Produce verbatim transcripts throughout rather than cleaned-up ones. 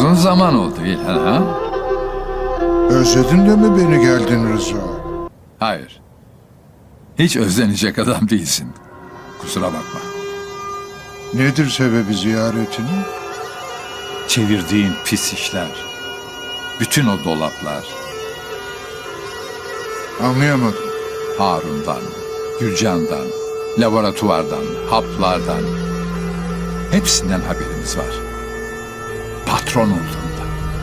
Uzun zaman oldu İlhan ha? Özledin de mi beni geldin Rıza? Hayır. Hiç özlenecek adam değilsin. Kusura bakma. Nedir sebebi ziyaretinin? Çevirdiğin pis işler. Bütün o dolaplar. Anlayamadım. Harun'dan, Gülcan'dan, laboratuvardan, haplardan. Hepsinden haberimiz var. Patron olduğunda.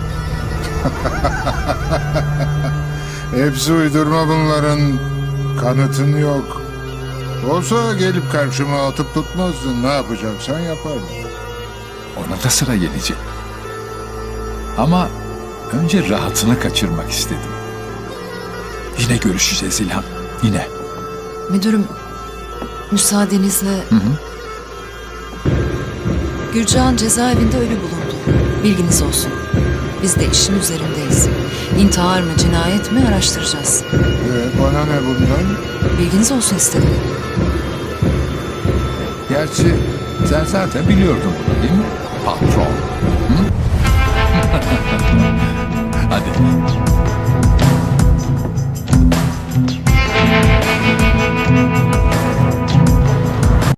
Hepsi uydurma bunların. Kanıtın yok. Olsa gelip karşıma atıp tutmazdın. Ne yapacaksan yapardın. Ona da sıra gelecek. Ama önce rahatını kaçırmak istedim. Yine görüşeceğiz İlhan. Yine. Müdürüm, müsaadenizle... Hı hı. Gürcan cezaevinde ölü bulundu. Bilginiz olsun. Biz de işin üzerindeyiz. İntihar mı, cinayet mi araştıracağız. Ee, bana ne bundan? Bilginiz olsun istedim. Gerçi sen zaten biliyordun bunu değil mi? Patron. Hı? Hadi.